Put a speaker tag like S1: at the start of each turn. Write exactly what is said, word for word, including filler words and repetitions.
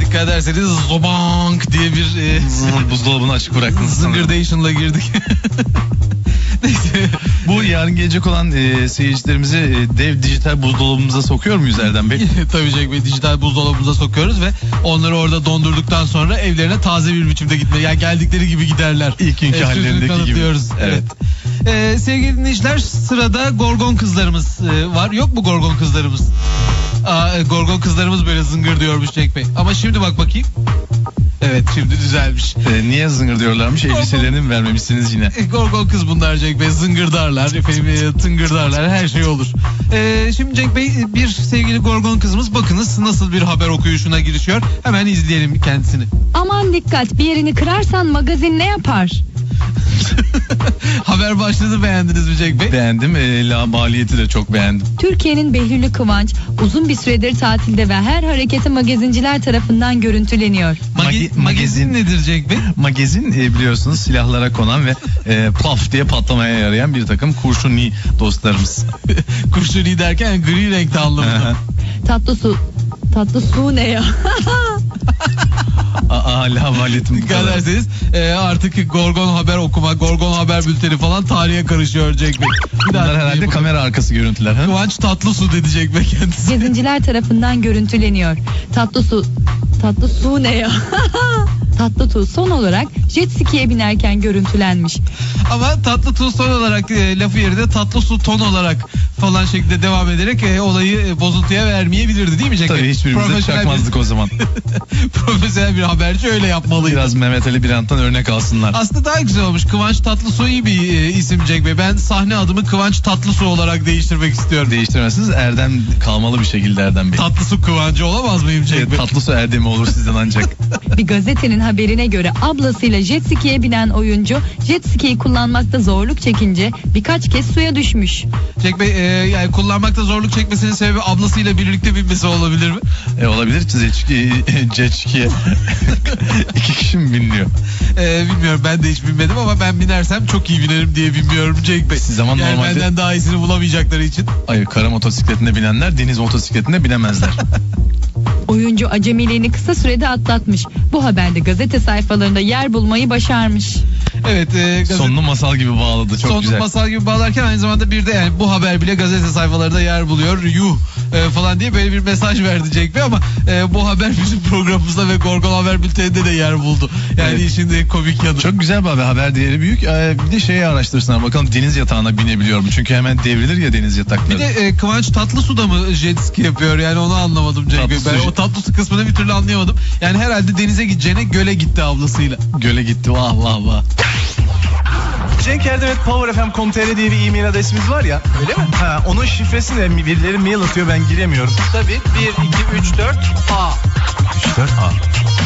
S1: Dikkat ederseniz zobank diye bir e,
S2: buzdolabını açık bıraktınız.
S1: zıngırdation'la girdik. Neyse.
S2: Bu yarın gelecek olan e, seyircilerimizi e, dev dijital buzdolabımıza sokuyor muyuz Erdem Bey?
S1: Tabii Cenk Bey, dijital buzdolabımıza sokuyoruz ve onları orada dondurduktan sonra evlerine taze bir biçimde gitmeye, yani geldikleri gibi giderler.
S2: İlk günkü
S1: E,
S2: hallerindeki gibi.
S1: Evet. evet. Ee, sevgili dinleyiciler, sırada Gorgon kızlarımız e, var. Yok mu Gorgon kızlarımız? Aa, e, Gorgon kızlarımız böyle zıngır diyormuş Cenk Bey. Ama şimdi bak bakayım. Evet, şimdi düzelmiş.
S2: E, niye zıngır diyorlarmış?
S1: Gorgon...
S2: Elbiselerini mi vermemişsiniz yine?
S1: E, Gorgon kız bunlar Cenk Bey. Zıngırdarlar, efendim, e, tıngırdarlar, her şey olur. E, şimdi Cenk Bey, bir sevgili Gorgon kızımız bakınız nasıl bir haber okuyuşuna girişiyor. Hemen izleyelim kendisini.
S3: Aman dikkat, bir yerini kırarsan magazin ne yapar?
S1: Haber başlığını beğendiniz mi Cenk Bey?
S2: Beğendim. E, la maliyeti de çok beğendim.
S3: Türkiye'nin Behlül'ü Kıvanç uzun bir süredir tatilde ve her hareketi magazinciler tarafından görüntüleniyor.
S1: Magi-
S2: Magi-
S1: magazin nedir Cenk Bey?
S2: Magazin e, biliyorsunuz silahlara konan ve e, paf diye patlamaya yarayan bir takım kurşuni dostlarımız.
S1: Kurşuni derken gri renkte anlamında.
S3: Tatlı su. Tatlı su ne ya?
S2: Aa, la maliyetim bu
S1: Dikkat
S2: kadar.
S1: ederseniz e, artık Gorgon haber okuma, Gorgon haber bülteni falan tarihe karışıyor Cenk Bey. Bir daha
S2: Bunlar herhalde
S1: dinleyin
S2: kamera arkası görüntüler. Ha?
S1: Kıvanç Tatlısu dedi Cenk Bey kendisi.
S3: Magazinciler tarafından görüntüleniyor. Tatlı su. Tatlı su ne ya? Tatlı tu son olarak jet ski'ye binerken görüntülenmiş.
S1: Ama tatlı tu son olarak e, lafı yerine tatlı su ton olarak falan şekilde devam ederek e, olayı e, bozuntuya vermeyebilirdi değil mi Cenk Bey?
S2: Tabii hiçbirimize çakmazdık
S1: bir,
S2: o zaman.
S1: profesyonel bir haberci öyle yapmalıydı.
S2: Biraz Mehmet Ali Birant'tan örnek alsınlar.
S1: Aslında daha güzel olmuş. Kıvanç Tatlısu iyi bir e, isim Cenk Bey. Ben sahne adımı Kıvanç Tatlısu olarak değiştirmek istiyorum.
S2: Değiştirmezsiniz. Erdem kalmalı bir şekilde Erdem Bey.
S1: Tatlısu Kıvancı olamaz mıyım Cenk
S2: Evet,
S1: Bey?
S2: Tatlısu Erdem'i olur sizden ancak.
S3: Bir gazetenin haberine göre ablasıyla jet ski'ye binen oyuncu jet ski'yi kullanmakta zorluk çekince birkaç kez suya düşmüş.
S1: Cenk Bey, e, yani kullanmakta zorluk çekmesinin sebebi ablasıyla birlikte binmesi olabilir mi?
S2: E, olabilir. Jet ski'ye iki kişi mi biniliyor?
S1: E, bilmiyorum, ben de hiç binmedim ama ben binersem çok iyi binerim diye bilmiyorum Cenk Bey.
S2: Siz zaman
S1: yani
S2: normalde...
S1: benden daha iyisini bulamayacakları için.
S2: Hayır, kara motosikletinde binenler deniz motosikletinde binemezler.
S3: Oyuncu acemiliğini kısa sürede atlatmış. Bu haberde gazete sayfalarında yer bulmayı başarmış.
S1: Evet. E, gazete...
S2: Sonunu masal gibi bağladı. Çok
S1: Sonunu
S2: güzel.
S1: masal gibi bağlarken aynı zamanda bir de yani bu haber bile gazete sayfalarında yer buluyor. Yuh e, falan diye böyle bir mesaj verdi Cenk Bey ama e, bu haber bizim programımızda ve Gorgon Haber Bülteni'nde de yer buldu. Yani
S2: Evet.
S1: işin de komik yanı.
S2: Çok güzel bir haber. Haber değeri büyük. Ee, bir de şeyi araştırsınlar. Bakalım deniz yatağına binebiliyor mu? Çünkü hemen devrilir ya deniz yatakları.
S1: Bir de e, Kıvanç Tatlısu'da mı jet ski yapıyor? Yani onu anlamadım Cenk Bey.
S2: Tatlısu-
S1: Ben o Tatlısu kısmını bir türlü anlayamadım. Yani herhalde denize gideceğine göle gitti ablasıyla.
S2: Göle gitti. Vah vah vah.
S4: Cenk Erdem et power f m nokta com nokta t r diye bir e-mail adresimiz var ya.
S1: Öyle mi?
S4: Ha, onun şifresini de birileri mail atıyor, ben giremiyorum.
S1: Tabii. bir, iki, üç, dört A.
S4: üç dört A.